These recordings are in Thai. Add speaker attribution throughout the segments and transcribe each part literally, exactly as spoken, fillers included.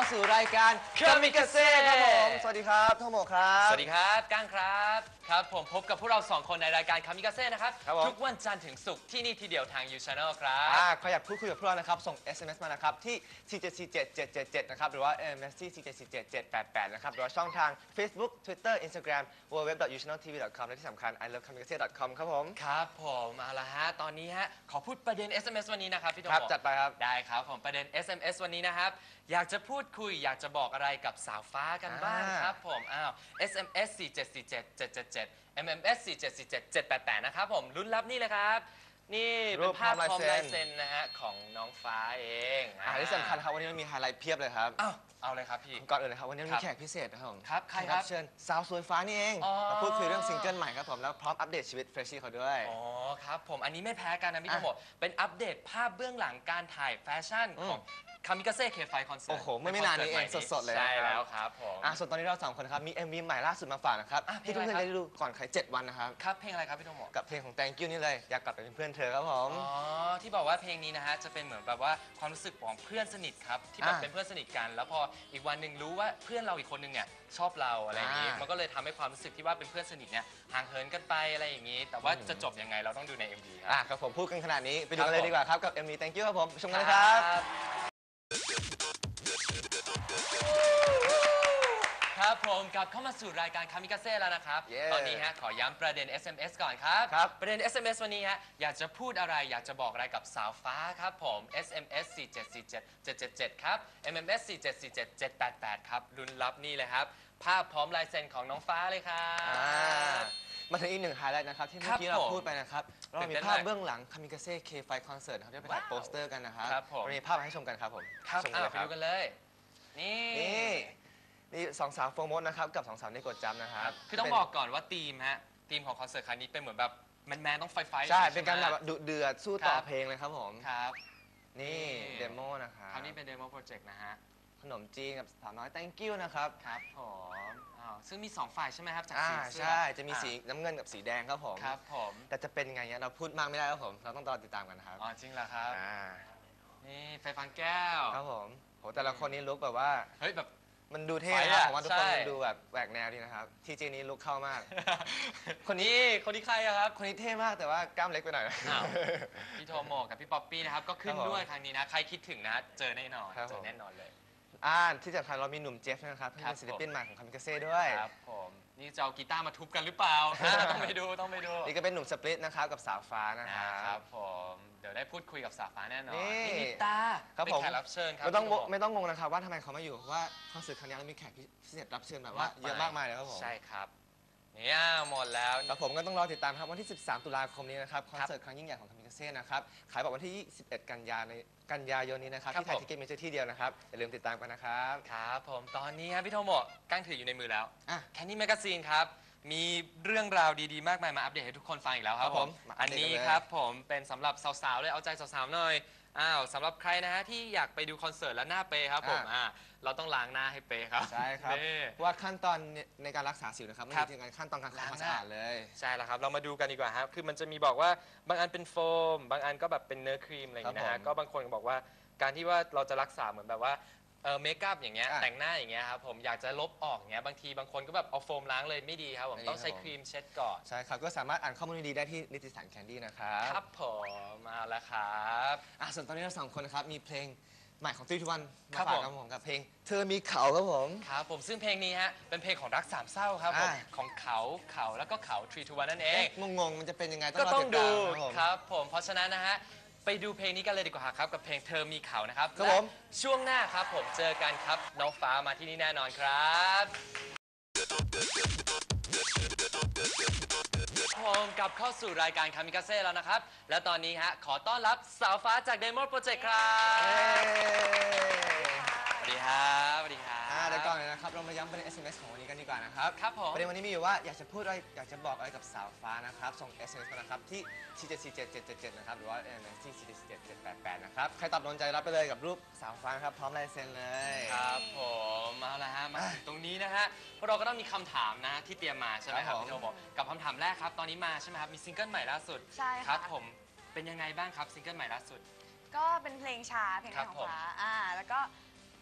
Speaker 1: สู่รายการคามิกาเซ่ครับผมสวัสดีครับโทโมะครับ
Speaker 2: สวัสดีครับก้างครับครับผมพบกับพวกเราสองคนในรายการคามิกาเซ่นะครับทุกวันจันทร์ถึงศุกร์ที่นี่ทีเดียวทาง ยู Channel ครับ
Speaker 1: อ่าใครอยากพูดคุยกับพวกเรานะครับส่ง เอส เอ็ม เอส มานะครับที่ สี่ เจ็ด สี่ เจ็ด เจ็ด เจ็ด เจ็ด นะครับหรือว่า เอ็ม เอส ที่ สี่ เจ็ด สี่ เจ็ด เจ็ด แปด แปด นะครับหรือว่าช่องทาง Facebook Twitter Instagramดับเบิลยู ดับเบิลยู ดับเบิลยู ดอท ยู ชาแนล ที วี ดอท คอม และที่สำคัญ ไอ เลิฟ คามิกาเซ่ ดอท คอม ครับผม
Speaker 2: ครับผมเอาละฮะตอนนี้ฮะขอพูดประเด็น เอส เอ็ม เอส วันนี้นะครับพี่โต
Speaker 1: ครับจัดไปครับ
Speaker 2: ได้ครับผมประเด็น เอส เอ็ม เอส วันนี้นะครับอยากจะพูดคุยอยากจะบอกอะไรกับสาวฟ้ากันบ้างครับผมอ้าว เอส เอ็ม เอส สี่ เจ็ด สี่ เจ็ด เจ็ด เจ็ด เจ็ด เอ็ม เอ็ม เอส สี่ เจ็ด สี่ เจ็ด เจ็ด แปด แปด นะครับผมลุ้นรับนี่เลยครับนี่เป็นภาพพร้อมลายเซ็นนะฮะของน้องฟ้าเอง
Speaker 1: อ่าที่สำคัญครับวันนี้มันมีไฮไลท์เพียบเลยครับ
Speaker 2: อ้าวเอาเลยครับพี่
Speaker 1: ก่อนอื่นเลยครับวันนี้มีแขกพิเศษนะครับผม
Speaker 2: ครับใครครับ
Speaker 1: เชิญสาวสวยฟ้านี่เองมาพูดคุยเรื่องซิงเกิลใหม่ครับผมแล้วพร้อมอัปเดตชีวิตเฟรชชี่เขาด้วย
Speaker 2: อ๋อครับผมอันนี้ไม่แพ้กันนะพี่โตโมเป็นอัปเดตภาพเบื้องหลังการถ่ายแฟชั่นของคามิกาเซ่เคไฟคอนเสิร์ต
Speaker 1: โอ้โหไม่ไม่นานนี้เองสดๆเลย
Speaker 2: ใช่แล้วครับผม
Speaker 1: อ่ะส่วนตอนนี้เราสองคนครับมี เอ็ม วี ใหม่ล่าสุดมาฝากนะครับที่ทุกคนจะได้ดูก่อนใครเจ็ดวันนะครับ
Speaker 2: ครับเพลงอะไรครับพี่โตโม
Speaker 1: กับเพลงของ Thank You นี่เลยอยากกลับไปเป็นเพื่อนเธอครับผม
Speaker 2: อ๋อที่บอกว่าเพลงนี้นะฮะจะเป็นเหมือนแบบว่าความรู้สึกของเพื่อนสนิทครับที่แบบเป็นเพื่อนสนิทกันแล้วพออีกวันหนึ่งรู้ว่าเพื่อนเราอีกคนนึงเนี่ยชอบเราอะไรอย่างนี้มันก็เลยทำให้ความรู้สึกที่ว่าเป็นเพื่อนสนิทเนี่ยห่างเหินกันไปอะไรอย่างนี้แต่ว่าจะจบยังไงเราต้องดูใน เอ็ม วี ครับ
Speaker 1: อ่ะครับผมพูดกันขนาดนี้ไปดูกันเลยดีกว่าครับกับ เอ็ม วี Thank You ครับผมชมกันเลยครับ
Speaker 2: ครับผมกลับเข้ามาสู่รายการคามิกาเซ่แล้วนะครับ
Speaker 1: yeah.
Speaker 2: ตอนนี้ฮะขอย้ำประเด็น เอส เอ็ม เอส ก่อนครับประเด็น เอส เอ็ม เอส วันนี้ฮะอยากจะพูดอะไรอยากจะบอกอะไรกับสาวฟ้าครับผม เอส เอ็ม เอส สี่ เจ็ด สี่ เจ็ด เจ็ด เจ็ด เจ็ด ครับ เอ็ม เอ็ม เอส สี่ เจ็ด สี่ เจ็ด เจ็ด แปด แปด ครับลุ้นรับนี่เลยครับภาพพร้อมลายเซ็นของน้องฟ้าเลยครับ
Speaker 1: มาถึงอีกหนึ่งไฮไลท์นะครับที่เมื่อกี้เราพูดไปนะครับเรามีภาพเบื้องหลังคามิกาเซ่เคไฟคอนเสิร์ตครับที่ไปถ่ายโปสเตอร์กันนะครับเรามีภาพมาให้ชมกันครับผม
Speaker 2: ครับไปดูกันเลยนี่
Speaker 1: นี่สองสาวโฟร์มดนะครับกับสองสาวนี่กดจัมนะครับ
Speaker 2: คือต้องบอกก่อนว่าธีมฮะธีมของคอนเสิร์ตครั้งนี้เป็นเหมือนแบบแมนๆต้องไฟไฟ
Speaker 1: ใช่เป็นการแบบดุเดือดสู้ต่อเพลงเลยครับผม
Speaker 2: ครับ
Speaker 1: นี่เดโมนะครับ
Speaker 2: คราวนี้เป็นเดโมโปรเจกต์นะฮะ
Speaker 1: ขนมจีนกับสาวน้อย thank you นะครับ
Speaker 2: ครับผมอ้าวซึ่งมีสองฝ่ายใช่ไหมครับจาก
Speaker 1: สีใช่จะมีสีน้ำเงินกับสีแดงครับผม
Speaker 2: ครับผม
Speaker 1: แต่จะเป็นไงเนี่ยเราพูดมากไม่ได้ครับผมเราต้องรอติดตามกันครับ
Speaker 2: อ๋อจริงเหรอครับนี่ไฟฟังแก้ว
Speaker 1: ครับผมโหแต่ละคนนี้ลุกแบบว่า
Speaker 2: เฮ้ยแบบ
Speaker 1: มันดูเท่นะผมว่าทุกคนมันดูแบบแหวกแนวดีนะครับทีเจนี้ลุกเข้ามาก
Speaker 2: คนนี้คนนี้ใครครับ
Speaker 1: คนนี้เท่มากแต่ว่ากล้ามเล็กไปหน่อย
Speaker 2: พี่โทโมกับพี่ป๊อปปี้นะครับก็ขึ้นด้วยครั้งนี้นะใครคิดถึงนะเจอแน่นอนเจอแน่นอนเลย
Speaker 1: อ่าที่สำคัญเรามีหนุ่มเจฟนะครับที่เป็นศิลปินใหม่ของคามิกาเซ่ด้วย
Speaker 2: ครับผมนี่จะเอากีตาร์มาทุบกันหรือเปล่าต้องไปดูต้องไปดู
Speaker 1: นี่ก็เป็นหนุ่มสปริตนะครับกับสาวฟ้านะครับ
Speaker 2: ครับผมเดี๋ยวได้พูดคุยกับสาวฟ้าแน่นอนนี่นิตาเป็นแขกรับเชิญครับ
Speaker 1: ไม่ต้องไม่ต้องงงนะครับว่าทำไมเขามาอยู่เพราะว่าคอนเสิร์ตครั้งนี้เรามีแขกพิเศษรับเชิญแบบว่าเยอะมากมายเลยครับผม
Speaker 2: ใช่ครับเนี่ยหมดแล้ว
Speaker 1: แต่ผมก็ต้องรอติดตามครับวันที่สิบสามตุลาคมนี้นะครับคอนเสิร์ตครั้งยิ่งใหญ่ของคามิกาเซ่นะครับขายบัตรวันที่ยี่สิบเอ็ดกันยายนกันยายนนี้นะครับที่ไทยทิเก็ตเมเจอร์ที่เดียวนะครับอย่าลืมติดตามกันนะครับ
Speaker 2: ครับผมตอนนี้ครับพี่โทโมะกั้งถืออยู่ในมือแล้วแคนนี่แมกกาซีนครับมีเรื่องราวดีๆมากมายมาอัปเดตให้ทุกคนฟังอีกแล้วครับผมอันนี้ครับผมเป็นสำหรับสาวๆเลยเอาใจสาวๆหน่อยอ้าวสำหรับใครนะฮะที่อยากไปดูคอนเสิร์ตแล้วหน้าเปย์ครับผมอ่าเราต้องล้างหน้าให้เปย์ครับ
Speaker 1: ใช่ครับว่าขั้นตอนในการรักษาสิวนะครับไม่ใช่การขั้นตอนการล้างความสะอาดเลย
Speaker 2: ใช่แล้วครับเรามาดูกันดีกว่าครับคือมันจะมีบอกว่าบางอันเป็นโฟมบางอันก็แบบเป็นเนื้อครีมอะไรอย่างเงี้ยนะฮะก็บางคนก็บอกว่าการที่ว่าเราจะรักษาเหมือนแบบว่าเออเมคอัพอย่างเงี้ยแต่งหน้าอย่างเงี้ยครับผมอยากจะลบออกเงี้ยบางทีบางคนก็แบบเอาโฟมล้างเลยไม่ดีครับผมต้องใช้ครีมเช็ดก่อน
Speaker 1: ใช่ครับก็สามารถอ่านข้อมูลดีๆได้ที่นิตยสารแคนดี้นะครับ
Speaker 2: ครับผมมาแล้วครับ
Speaker 1: อ่ะส่วนตอนนี้เราสองคนนะครับมีเพลงใหม่ของทรีทูวันมาฝากครับผมกับเพลงเธอมีเขาครับผม
Speaker 2: ครับผมซึ่งเพลงนี้ฮะเป็นเพลงของรักสามเศร้าครับผมของเขาเขาแล้วก็เขาทรีทูวันนั่นเอง
Speaker 1: งงๆมันจะเป็นยังไง
Speaker 2: ก็ต้องดูครับผมเพราะฉะนั้นนะฮะไปดูเพลงนี้กันเลยดีกว่าครับกับเพลงเธอมีเขานะครับ
Speaker 1: ครับผม
Speaker 2: ช่วงหน้าครับผมเจอกันครับน้องฟ้ามาที่นี่แน่นอนครับผมกลับเข้าสู่รายการคามิกาเซ่แล้วนะครับและตอนนี้ฮะขอต้อนรับสาวฟ้าจากเดโมโปรเจกต์ครับสวัสดีครับสวัสดีครับ
Speaker 1: เดี๋ยวก่อนเลยนะครับเรามาย้ำประเด็น เอส เอ็ม เอส ของวันนี้กันดีกว่านะครับ
Speaker 2: ครับผม
Speaker 1: ประเด็นวันนี้มีอยู่ว่าอยากจะพูดอะไรอยากจะบอกอะไรกับสาวฟ้านะครับส่ง เอส เอ็ม เอส มานะครับที่ สี่ เจ็ด สี่ เจ็ด เจ็ด เจ็ด เจ็ด นะครับหรือว่า เอ็ม เอส ที่ สี่ เจ็ด สี่ เจ็ด เจ็ด แปด แปด นะครับใครตอบโดนใจรับไปเลยกับรูปสาวฟ้าครับพร้อมลายเซ็นเลย
Speaker 2: ครับผมเอาละฮะมาตรงนี้นะฮะพวกเราก็ต้องมีคำถามนะที่เตรียมมาใช่ไหมครับพี่โทบอกกับคำถามแรกครับตอนนี้มาใช่ไหมครับมีซิงเกิลใหม่ล่าสุด
Speaker 3: ใช่
Speaker 2: ครับผมเป็นยังไงบ้างครับซิงเกิลใหม่ล่าสุด
Speaker 3: ก็เป็นเพลงช้าเพลงของฟ้าอ่าแล้วก็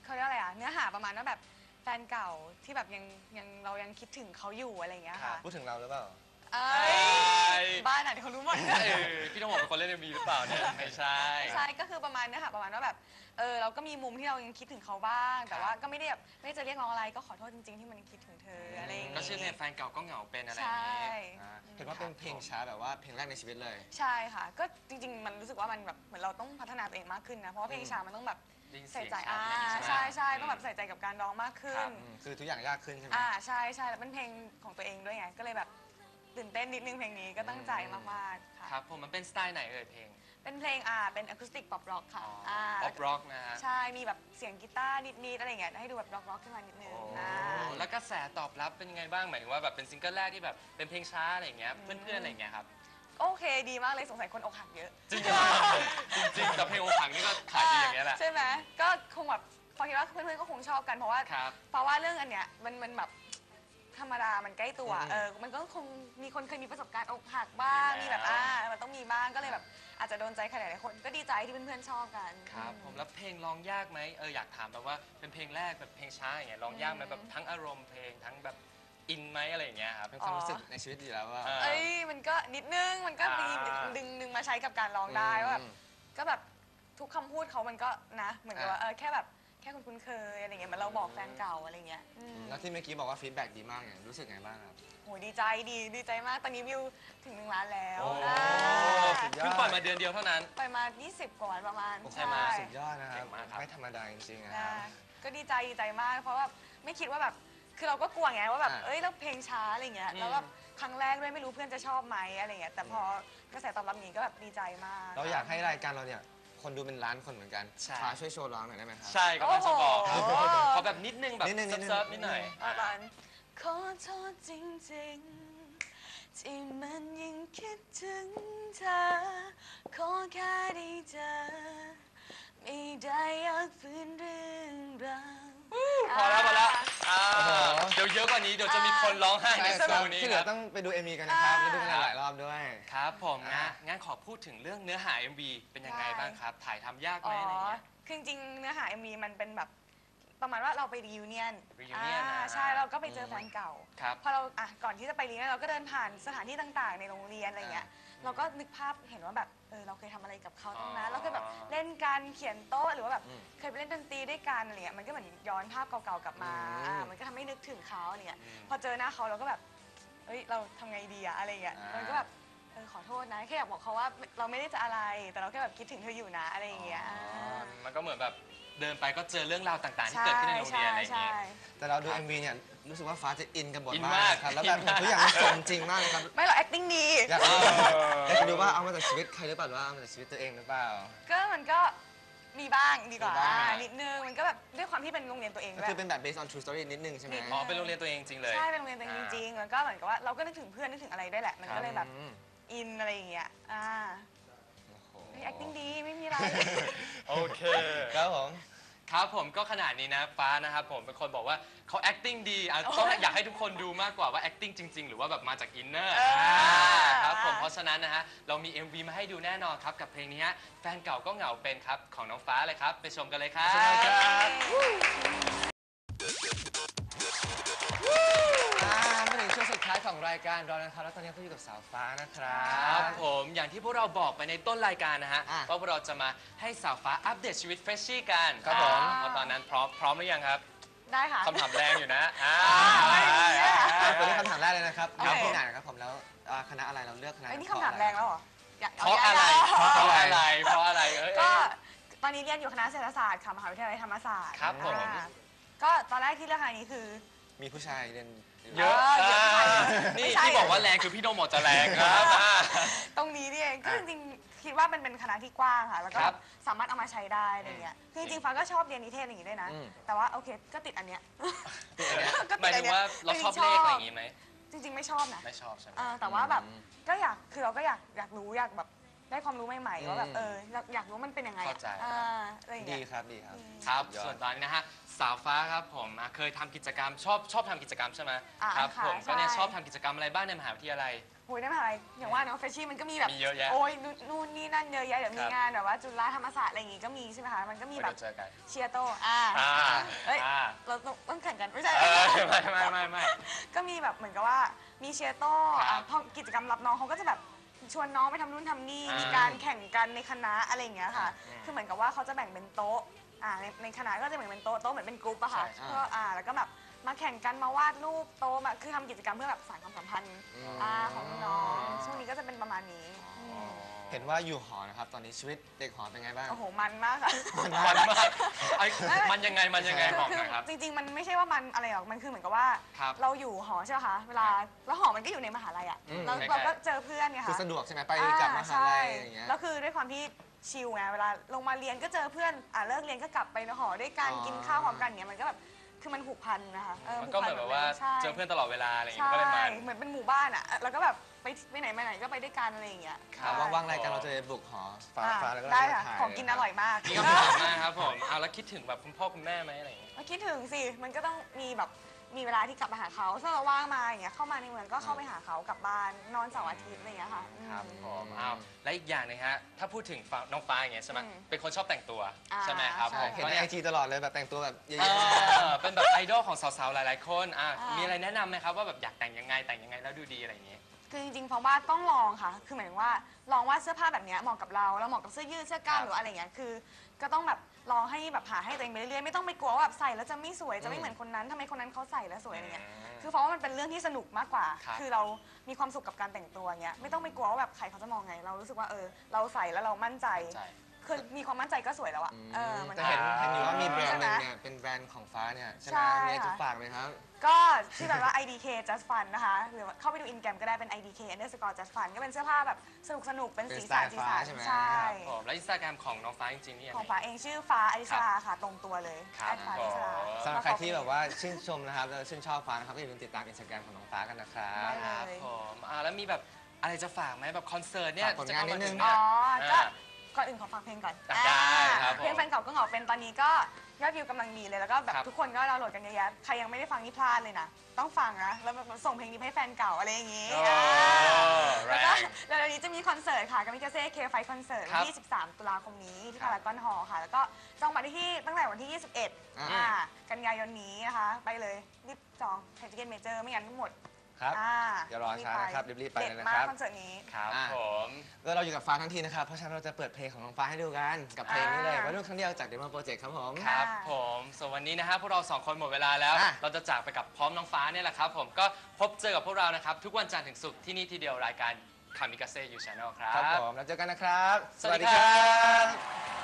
Speaker 3: เขาเรียกอะไรอะเนื้อหาประมาณว่าแบบแฟนเก่าที่แบบยังยังเรายังคิดถึงเขาอยู่อะไรอย่างเงี้ยค่ะ
Speaker 1: พูดถึงเราหรือเปล่า
Speaker 3: เอ้
Speaker 2: เอ้
Speaker 3: ย
Speaker 2: ย
Speaker 3: บ้านไหนเขารู้หมด
Speaker 2: เออพี่ต้องบอกเป็นคนเล่นเอ็มวีหรือเปล่าเนี่ยไม่ใช่
Speaker 3: ใช่ก็คือประมาณเนื้อหาประมาณว่าแบบเออเราก็มีมุมที่เรายังคิดถึงเขาบ้าง แต่ว่าก็ไม่ได้แบบไม่ได้จะเรียกร้องอะไรก็ขอโทษจริงๆที่มันคิดถึงเธออะไรอย่าง
Speaker 2: ก็
Speaker 3: เงี้ย
Speaker 2: ชื่อเพลงแฟนเก่าก็เหงาเป็นอะไรอ
Speaker 3: ใช่
Speaker 2: ย่างนี้
Speaker 1: อ่าเห็นว่าเป็นเพลงช้าแบบว่าเพลงแรกในชีวิตเลย
Speaker 3: ใช่ค่ะ ก็จริง ๆ มันรู้สึกว่ามันแบบเหมือนเราต้องพัฒนาตัวเองมากขึ้นนะเพราะว่าเพลงช้ามันต้องแบบ
Speaker 2: ได้ยินเสี
Speaker 3: ใส่
Speaker 2: ยง
Speaker 3: ใจ
Speaker 2: ชัด
Speaker 3: อ่า
Speaker 2: อะไรอย่างงี้
Speaker 3: ใช่
Speaker 2: ไหม
Speaker 3: ใช่ต้องแบบใส่ใจกับการร้องมากขึ้
Speaker 2: ครั
Speaker 3: น
Speaker 2: บ
Speaker 1: อืมคือทุกอย่างยากขึ้นใช่ไหม
Speaker 3: อ่าใช่ใช่แล้วเป็นเพลงของตัวเองด้วยไงก็เลยแบบตื่นเต้นนิดนึงเพลงนี้ก็ตั้งใจมากๆค่ะ
Speaker 2: ครับผมมันเป็นสไตล์ไหนเอ่ยเพลง
Speaker 3: เป็นเพลงอ่าเป็นอะคูสติกป๊อปร็อกค่ะ
Speaker 2: อ๋อป๊อปร็อกนะฮะ
Speaker 3: ใช่มีแบบเสียงกีตาร์นิดๆอะไรอย่างเงี้ยให้ดูแบบร็อกๆขึ้นมานิดนึง
Speaker 2: โอ้
Speaker 3: อ่า
Speaker 2: แล้วกระแสตอบรับเป็นยังไงบ้างหมายถึงว่าแบบเป็นซิงเกิลแรกที่แบบเป็นเพลงช้าอะไรอย่างเงี้ยเพื่อนๆอะไรอย่างเงี้ยครับ
Speaker 3: โอเคดีมากเลยสงสัยคนอกหักเยอะ
Speaker 2: จริงๆจริงๆแต่เพลงอกหักนี่ก็ขายดีอย่างเงี้ยแหละ
Speaker 3: ใช่ไหมก็คงแบบพอคิดว่าเพื่อนๆก็คงชอบกันเพราะว่า
Speaker 2: ครับ
Speaker 3: เพราะว่าเรื่องอันเนี้ยมันมันแบบธรรมดามันใกล้ตัว
Speaker 1: อืม
Speaker 3: เออมันก็คงมีคนเคยมีประสบการณ์อกหักบ้าง
Speaker 2: มี
Speaker 3: มี
Speaker 2: แล้ว
Speaker 3: แบบอ่ามันต้องมีบ้างก็เลยแบบอาจจะโดนใจใครหลายๆคนก็ดีใจที่เพื่อนๆชอบกัน
Speaker 2: ครับผมแล้วเพลงร้องยากไหมเอออยากถามแบบว่าเป็นเพลงแรกแบบเพลงช้าอย่างเงี้ยร้องยากไหมแบบทั้งอารมณ์เพลงทั้งแบบอินไหมอะไรอย่างเงี้ยครับ
Speaker 1: เป็นความรู้สึกในชีวิตอยู่แล้วว่า
Speaker 2: อ่า
Speaker 3: เอ้ยมันก็นิดนึงมันก็มี
Speaker 2: อ่า
Speaker 3: ดึงดึงมาใช้กับการร้องได้ว่าแบบ
Speaker 1: อืม
Speaker 3: ก็แบบทุกคำพูดเขามันก็นะเหมือนกับว่า
Speaker 1: อ่า
Speaker 3: เออแค่แบบแค่คุณคุ้นเคยอะไรเงี้ยเหมือนเราบอกแฟนเก่าอะไรเงี้ยอืม
Speaker 1: แล้วที่เมื่อกี้บอกว่าฟีดแบ็กดีมากเนี่ยรู้สึกไงบ้างครับ
Speaker 3: โหดีใจดีดีใจมากตอนนี้วิวถึงหนึ่งล้านแล้ว
Speaker 1: โอ้
Speaker 3: อ่า
Speaker 1: สุดยอด
Speaker 2: เพิ่งปล่อยมาเดือนเดียวเท่านั้น
Speaker 3: ไปมา ยี่สิบ กว่าวันประมาณ
Speaker 1: โอ้โห
Speaker 2: ใช่ไหม
Speaker 1: สุดยอดนะครับ
Speaker 2: เก่งมากครับ
Speaker 1: ไม่ธรรมดาจริงๆนะค
Speaker 3: อ่า
Speaker 1: รับ
Speaker 3: ก็ดีใจดีใจมาก เพราะว่าไม่คิดว่าแบบคือเราก็กลัวไงว่าแบบ
Speaker 1: อ่า
Speaker 3: เอ้ยแล้วเพลงช้าอะไรเงี้ย
Speaker 2: อืม
Speaker 3: แล้วแบบครั้งแรกด้วยไม่รู้เพื่อนจะชอบไหมอะไรเงี้ยแต่พอกระแสตอบรับนี้ก็แบบดีใจมาก
Speaker 1: เราอยากให้รายการเราเนี่ยคนดูเป็นล้านคนเหมือนกัน
Speaker 2: ใช่
Speaker 1: ฟ้าช่วยโชว์ร้องหน่อยได้ไหมครับ
Speaker 2: ใช่ก็ต้องจะบอก
Speaker 3: โอ้โห
Speaker 2: ขอแบบนิดนึงแบบ
Speaker 1: นิดนึงนิดนึง
Speaker 2: เซิร์ฟๆนิดหน่อย
Speaker 3: อาตอนขอโทษจริงๆ ที่มันยังคิดถึงเธอ ขอแค่ได้เจอ ไม่ได้อยากฝืนเรื่องราว
Speaker 2: พอแล้วพอแล้วอ่า
Speaker 1: โอ้โห
Speaker 2: เดี๋ยวเยอะกว่านี้เดี๋ยวจะมีคนร้องไห้ใน
Speaker 1: ใช่
Speaker 2: ส
Speaker 1: ค
Speaker 2: ตู
Speaker 1: รับ
Speaker 2: นี้
Speaker 1: ที่เห
Speaker 2: ค
Speaker 1: ลื
Speaker 2: รั
Speaker 1: อบ ต้องไปดู เอ็ม วี กันนะครับ แล้วดูกันหลายๆรอบด้วย
Speaker 2: ครับผม
Speaker 1: อ่า
Speaker 2: งั้นงั้นขอพูดถึงเรื่องเนื้อหา เอ็ม วี เป็นยังไงบ้างครับ ถ่ายทำยากไหม
Speaker 3: อ๋อ
Speaker 2: อะไรเงี้ย
Speaker 3: คือจริงๆเนื้อหา เอ็ม วี มันเป็นแบบประมาณว่าเราไปรีวิเนียน
Speaker 2: reunion
Speaker 3: อ่า
Speaker 2: อ่า
Speaker 3: ใช่เราก็ไปเจอแฟนเก่า
Speaker 2: ครับ
Speaker 3: พอเราอ่ะก่อนที่จะไปรีวิเนียนเราก็เดินผ่านสถานที่ต่างๆ ในโรงเรียนอะไรเงี้ย เราก็นึกภาพเห็นว่าแบบเออเราเคยทำอะไรกับเขาตรงนั้น
Speaker 2: อ๋อ
Speaker 3: เราเคยแบบเล่นกันเขียนโต๊ะหรือว่าแบบ
Speaker 1: อืม
Speaker 3: เคยไปเล่นดนตรีด้วยกันอะไรเงี้ยมันก็เหมือนย้อนภาพเก่าๆกลับมา
Speaker 1: อืม
Speaker 3: อ่ามันก็ทำให้นึกถึงเขาอะไรเงี้ย
Speaker 2: อืม
Speaker 3: พอเจอหน้าเขาเราก็แบบเอ้ยเราทำไงดีอะอะไรเงี้ย
Speaker 1: อ่ามั
Speaker 3: มันก็แบบเออขอโทษนะแค่อยากบอกเขาว่าเราไม่ได้จะอะไร แต่เราแค่แบบคิดถึงเธออยู่นะอะไรอย่างเงี้ย
Speaker 2: อ๋อมันก็เหมือนแบบเดินไปก็เจอเรื่องราวต่างๆ ที่เกิดขึ้นในโรงเรียนอะไรอย่าง
Speaker 3: ใช่
Speaker 2: เงี้ย
Speaker 3: ใช่
Speaker 1: แต่เราดู เอ็ม วี เนี่ยรู้สึกว่าฟ้าจะอินกับบท
Speaker 2: อิน
Speaker 1: มาม
Speaker 2: าก
Speaker 1: กครับแล้วแบบ
Speaker 2: อินมาก
Speaker 1: ทุกอย่างมันสมจริงมากเลยครับ
Speaker 3: ไม่หรอก acting ดี
Speaker 1: อยากรู้อยากจะดูว่าเอามาจากชีวิตใครหรือเปล่าหรือว่าเอามาจากชีวิตตัวเองหรือเปล่า
Speaker 3: ก็มันก็มีบ้างดีกว่า
Speaker 1: มีบ้าง
Speaker 3: อ่านิดนึงมันก็แบบด้วยความที่เป็นโรงเรียนตัวเอง
Speaker 1: ก็
Speaker 3: ด้วย
Speaker 1: คือเป็นแบบ based on true story นิดนึงใช่ไหม
Speaker 3: นิดนึ
Speaker 2: อ๋อ เป็นโรงเรียนตัวเองจริงๆเลย
Speaker 3: ใช่เป็นโรงเรียนตัวเองจริงๆแล้วก็เหมือนกับว่าเราก็นึกถึงเพื่อนนึกถึงอะไรได้แหละ มันก็เลยแบบ
Speaker 1: อืม
Speaker 3: อินอะไรอย่างเงี้ยอ่า
Speaker 1: โอ้โห
Speaker 3: เฮ้ย acting ดีไม่มีอะไร
Speaker 2: โอเค
Speaker 1: ครับผม
Speaker 2: ครับผมก็ขนาดนี้นะฟ้านะครับผมเป็นคนบอกว่าเขา acting ดีอ่ะต้องอยากให้ทุกคนดูมากกว่าว่า acting จริง ๆ หรือว่าแบบมาจากอินเนอร์
Speaker 3: เออ
Speaker 2: ครับผมเพราะฉะนั้นนะฮะเรามี เอ็ม วี มาให้ดูแน่นอนครับกับเพลงนี้ฮะแฟนเก่าก็เหงาเป็นครับของน้องฟ้าเลยครับไปชมกันเลยครับ
Speaker 1: ไปชมกันครับ อ่ามาถึงช่วงสุดท้ายของรายการเรานะครับแล้วตอนนี้ก็อยู่กับสาวฟ้านะครั
Speaker 2: ครับ บผมอย่างที่พวกเราบอกไปในต้นรายการนะฮะ
Speaker 1: อ่ะ
Speaker 2: ว่าพวกเราจะมาให้สาวฟ้าอัปเดตชีวิตเฟรชชี่กัน
Speaker 1: ครับผม
Speaker 2: อ่าเพราะตอนนั้นพร้อมพร้อมหรือยังครับ
Speaker 3: ได้ค่ะ
Speaker 2: คำถามแรงอยู่นะอ่า
Speaker 3: ไม่มีอะ
Speaker 1: อ่าเปิดด้วยคำถามแรกเลยนะครับ
Speaker 3: โอเค
Speaker 1: เรียนที่ไหนนะครับผมแล้วอ่าคณะอะไรเราเลือกคณะ
Speaker 3: ไอ้ยนี่คำถามแรงแล้วเหรออยาก
Speaker 2: เพราะอะไร
Speaker 3: ยก
Speaker 2: เพ
Speaker 3: ๆ
Speaker 2: ราะอะไรเพราะอะไรเอ้ย
Speaker 3: ก็ตอนนี้เรียนอยู่คณะเศรษฐศาสตร์ค่ะมหาวิทยาลัยธรรมศาสตร์
Speaker 2: ครับผม
Speaker 3: อ่าก็ตอนแรกที่เลือกคณะนี้คือ
Speaker 1: มีผู้ชายเรียน
Speaker 2: เยอะ
Speaker 3: เออเยอะ
Speaker 2: อ่า
Speaker 3: ไม่
Speaker 2: นี่
Speaker 3: ใช่
Speaker 2: ที่บอกว่าแรงคือพี่โดมบอกจะแรงครับอ่า
Speaker 3: ตรงนี้นี่เองก็จริงๆคิดว่ามันเป็นคณะที่กว้างค่ะ แล้วก็
Speaker 2: ครับ
Speaker 3: สามารถเอามาใช้ได้อะไรเงี้ยคือจริงๆฟ้าก็ชอบเรียนนิเทศอย่างนี้ด้วยนะ
Speaker 1: อืม
Speaker 3: แต่ว่าโอเคก็ติดอันเนี้ย
Speaker 1: ติดอันเนี้ย
Speaker 3: ก็
Speaker 2: หมาย
Speaker 3: ติด
Speaker 2: ถึงว่าเราชอบเลขอะไรอย่างงี้ไหม
Speaker 3: จริง ๆ ไม่ชอบนะ
Speaker 2: ไม่ชอบใช่ไหม
Speaker 3: เออแต่ว่าแบบ
Speaker 1: อืม
Speaker 3: ก็อยากคือเราก็อยากอยากรู้อยากแบบได้ความรู้ใหม่ๆว่าแบบ
Speaker 1: อืม
Speaker 3: เอออยากอยากรู้มันเป็นยังไงอะ
Speaker 2: เข้าใจ
Speaker 3: อ่าอะไรอย่าง
Speaker 1: ดี
Speaker 3: เงี้ย
Speaker 1: ครับดีครับ
Speaker 2: ครับ
Speaker 1: สุดยอด
Speaker 2: ส่วนตอนนี้นะฮะสาวฟ้าครับผมอ่ะเคยทำกิจกรรมชอบชอบทำกิจกรรมใช่ไหม
Speaker 3: อ่า
Speaker 2: ครับ
Speaker 3: ค่ะ
Speaker 2: ผมก็เนี่ย
Speaker 3: ใช่
Speaker 2: ชอบทำกิจกรรมอะไรบ้างในมหาวิทยาลัย
Speaker 3: โอ้ยได้มาอะไรอย่างว่าเนาะเฟชชี่มันก็มีแบบ
Speaker 2: มีเยอะแยะ
Speaker 3: โอ้ยนู่นนู่นนี่นั่นเยอะแยะเดี๋ยวมี
Speaker 2: ครับ
Speaker 3: งานแบบว่าจุฬาธรรมศาสตร์อะไรอย่างงี้ก็มีใช่ไหมคะมันก็มีแบบ
Speaker 2: เดี๋ยวเจอกัน
Speaker 3: เชียร์โตอ่า
Speaker 2: อ่า
Speaker 3: เอ้ย
Speaker 2: อ่า
Speaker 3: เราต้องต้องแข่งกันไม่ใช่
Speaker 2: เออไม่ไม่ไม่ไม่
Speaker 3: ก็มีแบบเหมือนกับว่ามีเชียร์โต
Speaker 2: ครับ
Speaker 3: อ่ะพอกิจกรรมรับน้องเขาก็จะแบบชวนน้องไปทำนู่นทำนี่
Speaker 2: อ่ามี
Speaker 3: มีการแข่งกันในคณะอะไรอย่างเงี้ยค่ะ
Speaker 2: อืม
Speaker 3: คือเหมือนกับว่าเขาจะแบ่งเป็นโต๊ะอ่าในในคณะก็จะแบ่งเป็นโต๊ะโต๊ะเหมือนเป็นกรุ๊ปอะค่ะ
Speaker 2: ใช่
Speaker 3: ก็อ่าแล้วก็แบบมาแข่งกันมาวาดรูปโต๊ะมาคือทำกิจกรรมเพื่อแบบสานความสัมพันธ์
Speaker 1: อืม
Speaker 3: อ่าของน้องช่วงนี้ก็จะเป็นประมาณนี้ม
Speaker 1: เห็นว่าอยู่หอนะครับ ตอนนี้ชีวิตเด็กหอเป็นไงบ้าง
Speaker 3: โอ้โหมันมากค่ะ
Speaker 2: มันมากไอ้มันยังไงมันยังไง
Speaker 3: คือ
Speaker 2: บอก
Speaker 3: คื
Speaker 2: หน่อยครับ
Speaker 3: จริง ๆ มันไม่ใช่ว่ามันอะไรหรอกมันคือเหมือนกับว่า
Speaker 2: ครับ
Speaker 3: เราอยู่หอใช่ไหมคะเวลาแล้วหอมันก็อยู่ในมหาลัยอะ
Speaker 1: อืม
Speaker 3: แล้ว
Speaker 2: ใกล้ๆ
Speaker 3: เราก็เจอเพื่อนไง
Speaker 1: คือ
Speaker 3: คะ
Speaker 1: สะดวกใช่ไหมไปกลับมหาลัยอย่างเงี้ย
Speaker 3: แล้วคือด้วยความที่ชิลไงเวลาลงมาเรียนก็เจอเพื่อนอ่าเลิกเรียนก็กลับไปหอด้วยกัน
Speaker 1: อ๋อ
Speaker 3: กินข้าวพร้อมกันเนี้ยมันก็แบบคือมันผูกพันนะคะเออ
Speaker 2: มันก็เหมือนแบบว่า
Speaker 3: ใช่
Speaker 2: เจอเพื่อนตลอดเวลาอะไรอย่าง
Speaker 3: ใช่
Speaker 2: เงี้ยก็เลยมัน
Speaker 3: เหมือนเป็นหมู่บ้านอ่ะแล้วก็แบบไปไปไหนมาไหนก็ไปด้วยกันอะไรอย่างเงี้ย
Speaker 2: ครับ
Speaker 3: ใช่
Speaker 1: ว่างๆรายการเราจะไปบุกหอฟ้า
Speaker 3: อ่ะ
Speaker 1: ฟ้าแล้วก็
Speaker 3: ได้
Speaker 1: มา
Speaker 3: ค่ะ
Speaker 1: ถ่าย
Speaker 3: ของกินอร่อยมาก
Speaker 2: นี่ก็ผ่านมากครับผมเอาแล้วคิดถึงแบบคุณพ่อคุณแม่ไหมอะไรอย่างเงี้ย
Speaker 3: มาคิดถึงสิมันก็ต้องมีแบบมีเวลาที่กลับมาหาเขาถ้าเราว่างมาอย่างเงี้ยเข้ามาในเมืองก็เข้าไปหาเขากลับบ้านนอนเสาร์อาทิตย์อะไรอย่างเงี้ยค่ะอืม
Speaker 1: ครับ
Speaker 2: ผมเอาและอีกอย่างหนึงฮะถ้าพูดถึงฟ้าน้องฟ้าอย่างเงี้ยใช่ไหม
Speaker 3: อืม
Speaker 2: เป็นคนชอบแต่งตัว
Speaker 3: อ่า
Speaker 2: ใช่ไหมครับ
Speaker 3: ใช่
Speaker 2: ผม
Speaker 1: เห็น
Speaker 2: ก็
Speaker 1: ใน
Speaker 2: เนี่
Speaker 1: ไอย จีตลอดเลยแบบแต่งตัวแบบเย
Speaker 2: เอ
Speaker 1: อะ
Speaker 2: อเป็นแบบไอดอลของสาวๆหลายๆคนอ่ะ
Speaker 3: อ่ามี
Speaker 2: มีอะไรแนะนำไหมครับว่าแบบอยากแต่งยังไงแต่งยังไงแล้วดูดีอะไรอย่างเงี้ย
Speaker 3: คือจริงๆเพราะว่าต้องลองค่ะ คือหมายถึงว่าลองว่าเสื้อผ้าแบบเนี้ยเหมาะกับเราแล้วเหมาะกับเสื้อยืดเสื้อกล้าม
Speaker 2: ครับ
Speaker 3: หรือว่าอะไรเงี้ยคือ ก็ต้องแบบลองให้แบบหาให้ตัวเองไปเรื่อยๆไม่ต้องไปกลัวว่าแบบใส่แล้วจะไม่สวยจะไม่เหมือนคนนั้นทำไมคนนั้นเขาใส่แล้วสวยอะไรเงี้ยคือเพราะว่ามันเป็นเรื่องที่สนุกมากกว่า
Speaker 2: ครับ
Speaker 3: คือเรามีความสุขกับการแต่งตัวเงี้ยไม่ต้องไปกลัวว่าแบบใครเขาจะมองไง เรารู้สึกว่าเออเราใส่แล้วเรามั่นใจ
Speaker 2: ใช่
Speaker 3: คือมีความมั่นใจก็สวยแล้วอะเออมัน
Speaker 1: แต่เห็น
Speaker 2: อ่า
Speaker 1: เห็นอยู่ว่ามีแบรนด์หนึง
Speaker 3: ใช่ไหม
Speaker 1: เนี่ยเป็นแบรนด์ของฟ้าเนี่ยใช่ไหม
Speaker 3: ใช่
Speaker 1: มีอะไรจะ
Speaker 3: ค่ะ
Speaker 1: ฝากไหมครับ
Speaker 3: ก็ชื่อแบบว่า ไอ ดี เค Just Fun นะคะ หรือว่าเข้าไปดูอินแกรมก็ได้เป็น ไอ ดี เค underscore Just Fun ก็เป็นเสื้อผ้าแบบสนุกสนุกๆเป็นสีสัน
Speaker 1: เป็นสไตล์
Speaker 3: สีสั
Speaker 1: ฟ้าน ใช่ไหม
Speaker 3: ใช่
Speaker 2: ครับผมแล้วอินสตาแกรมของน้องฟ้าจริงๆนี่ยัง
Speaker 3: ของ
Speaker 2: ไง
Speaker 3: ฟ้าเองชื่อฟ้าอริสราค่ะ ตรงตัวเลย
Speaker 2: ครับ
Speaker 3: แอดฟ้าอริสรา
Speaker 2: ผม
Speaker 1: สำหรับใครที่แบบว่าชื่นชมนะครับแล้วชื่นชอบฟ้านะครับก็อย่าลืมติดตามอินสตาแกรมของน้องฟ้ากันนะครับ
Speaker 3: ได้
Speaker 2: ครับผมอ่าแล้วมีแบบอะไรจะฝากไหมแบบคอนเสิร์ตเนี่ย
Speaker 1: ฝากผลงานนิดนึง
Speaker 2: จะ
Speaker 3: อ๋
Speaker 2: เข้า
Speaker 3: อ
Speaker 2: มาถึง
Speaker 3: ก็
Speaker 2: เนี่ย
Speaker 3: ก่อนอื่นขอฟังเพลงก่อน
Speaker 2: ได้ครับผม
Speaker 3: เพลงแฟนเก่าก็เหงาเป็นตอนนี้ก็ยอดวิวกำลังดีเลยแล้วก็แบบ
Speaker 2: ครับ
Speaker 3: ทุกคนก็ดาวน์โหลดกันเยอะแยะใครยังไม่ได้ฟังนี่พลาดเลยนะ ต้องฟังนะ แล้วแบบส่งเพลงนี้ให้แฟนเก่าอะไรอย่างงี้
Speaker 2: โอ้
Speaker 3: อ่า
Speaker 2: แร
Speaker 3: แล้วก็
Speaker 2: ง
Speaker 3: เดี๋ยวนี้จะมีคอนเสิร์ตค่ะกามิกาเซ่เคไฟคอนเสิร์ต
Speaker 2: ค
Speaker 3: วั
Speaker 2: รั
Speaker 3: น
Speaker 2: บ
Speaker 3: ที่ สิบสาม ตุลาคมนี้ที่
Speaker 2: ครั
Speaker 3: พา
Speaker 2: บ
Speaker 3: รากอนฮอลล์ค่ะ แล้วก็จองบัตรได้ที่ตั้งแต่วันที่ ยี่สิบเอ็ด
Speaker 1: อ่า
Speaker 3: อ่ากันยายนนี้นะคะ ไปเลยรีบจองไทเกนเมเจอร์ไม่งั้นหมด
Speaker 1: ครับ
Speaker 3: อ่า
Speaker 1: อย่ารอช้านะครับรีบๆไป
Speaker 3: เด็ด
Speaker 1: เลยนะ
Speaker 3: มา
Speaker 1: ค
Speaker 3: ก
Speaker 1: รับ
Speaker 3: คอนเสิร์ตนี้
Speaker 2: ครับ
Speaker 1: อ่ะ
Speaker 2: ผม
Speaker 1: ก็เราอยู่กับฟ้าทั้งทีนะครับ เพราะฉะนั้นเราจะเปิดเพลงของน้องฟ้าให้ดูกันกับเพลงนี้เลย
Speaker 3: อ่า
Speaker 1: วัยรุ่นครั้งเดียวจากเดมอนโปรเจกต์ครับผม
Speaker 2: ครับ
Speaker 3: ค่ะ
Speaker 2: ผมส่วนวันนี้นะฮะพวกเราสองคนหมดเวลาแล้ว
Speaker 1: อ่ะ
Speaker 2: เราจะจากไปกับพร้อมน้องฟ้าเนี่ยแหละครับผมก็พบเจอกับพวกเรานะครับ ทุกวันจันทร์ถึงศุกร์ที่นี่ทีเดียวรายการคามิกาเซ่ยูชาแนลครั
Speaker 1: ครับ
Speaker 2: บ
Speaker 1: ผมแล้วเจอกันนะครับ
Speaker 2: สวัสดีครับ
Speaker 1: บ